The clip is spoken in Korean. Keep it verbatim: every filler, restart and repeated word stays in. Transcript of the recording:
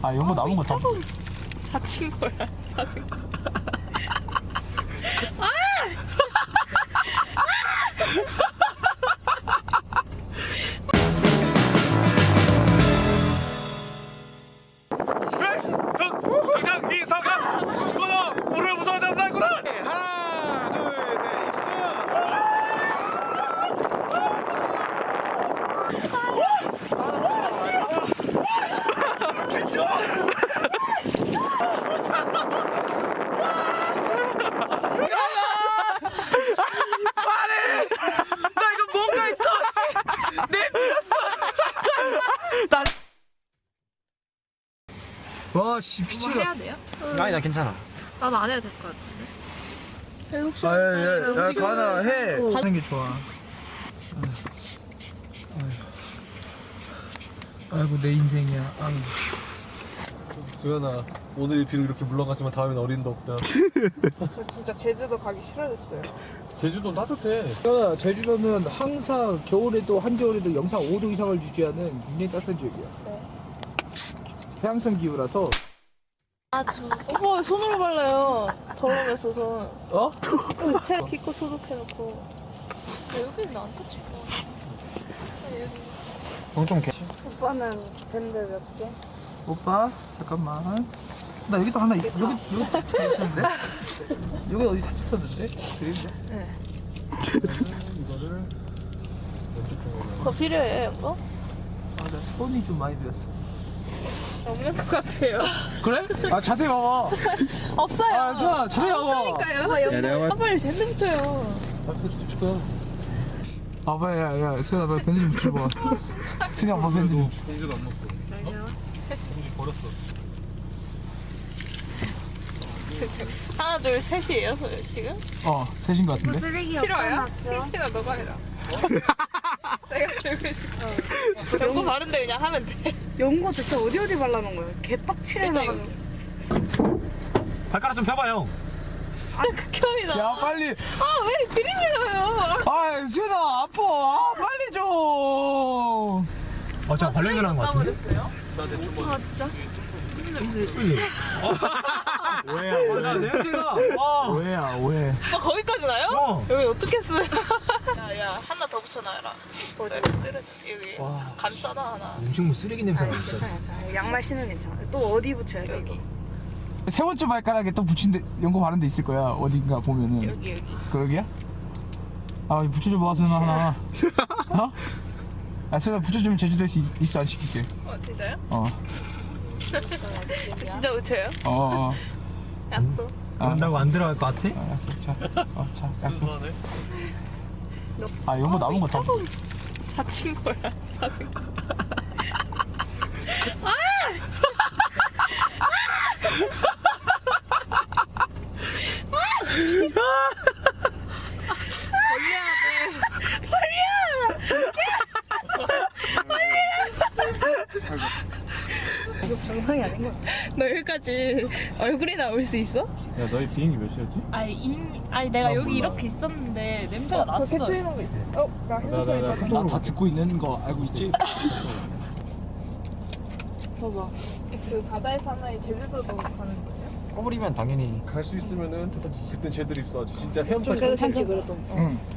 아 이런 거 남은 거 다. 다친 거야. 다친 거. 당장 이상한 죽어라 물을 무서워하지 않는구나. 하나 와 씨 뭐 피치가. 해야 돼요? 아니 나 괜찮아. 나는 안 해도 될 것 같은데. 혹시 아야야야 가나 해. 어. 하는 게 좋아. 아이고 내 인생이야. 아유. 수연아 오늘 비록 이렇게 물러가지만 다음엔 어린도 없다. 저 진짜 제주도 가기 싫어졌어요. 제주도는 따뜻해. 수연아 제주도는 항상 겨울에도 한겨울에도 영상 오 도 이상을 유지하는 굉장히 따뜻한 지역이야. 네. 해양성 기후라서. 아주. 오빠 왜 손으로 발라요? 저렴했어 손. 어? 체력 키코 소독해놓고. 여기는 안 터질 거. 엄청 개. 오빠는 밴드 몇 개? 오빠 잠깐만. 나 여기도 하나 있, 여기 여기 다쳤는데? 여기 어디 다쳤었는데? 그림자. 네. 이거를 왼쪽 쪽으로. 그거 필요해요 이거? 아나 손이 좀 많이 비었어. 없는 것 같아요. 그래? 아 자세히 봐봐. 없어요. 아 수아 자세히 봐봐. 그러니까요. 아, 빨리 밴드 붙여요. 아 밴드 붙여. 봐봐 야야 수아 나 밴드 좀 붙여봐. 수아 봐 밴드 좀. 봉지도 안 넣었어. 어? 봉지 버렸어. 하나 둘 셋이에요 지금? 어 셋인 것 같은데? 쓰레기 싫어요? 없어놨어? 셋이나 너가 해라. 내가 들고 있을게. 연고 바른데 그냥 하면 돼. 연고 대체 어디 어디 발라놓은 거야? 개떡칠해 일단 나가지고. 발가락 좀 펴봐 형. 극혐이다. 야 빨리. 아왜 들이밀어요? 아 수아 아파. 아 빨리 좀. 아 제가 발냄새나는 것 같은데? 버렸어요? 나 대충 봐. 아 진짜? 오해야 야 냄새가. 아. 오해야 오해. 아 거기까지 나요? 어. 여기 어떻게 써요? 야야 하나 더 붙여놔라. 어디 떨어져 여기. 와. 감 써놔 하나. 음식물 쓰레기 냄새가 아니, 진짜. 괜찮아, 괜찮아. 양말 신으면 괜찮아. 또 어디 붙여야 돼? 여기 세 번째 발가락에 또 붙인 데 연고 바른 데 있을 거야 어딘가 보면은. 여기 여기. 그 여기야? 아 붙여줘 봐 수연아 하나. 어? 아 수연아 붙여주면 제주도에서 이- 입수 안 시킬게. 어 진짜요? 어. 진짜 붙여요? 어. 어. 약속. 아, 그런다고 안 들어갈 것 같아? 아, 약속. 자. 어, 자. 약속. 순수하네. 아 연고 남은 거 다. 다친 거야. 다친 거. 정상이 아닌 거야. 너 여기까지 얼굴이 나올 수 있어? 야 너희 비행기 몇 시였지? 아니 이미 아니 내가 나 여기 몰라. 이렇게 있었는데 냄새가 났어. 저 캡처해 놓은 거 있어. 어, 나 나, 나, 나, 나 다 듣고 있는 거 알고 있지? 봐봐. 그 바다의 사나이 제주도도 가는 거예요? 꼬부리면 당연히. 갈 수 있으면은 그땐 제대로 입수하지. 진짜 헤엄쳐. 괜찮지 그래도. 응.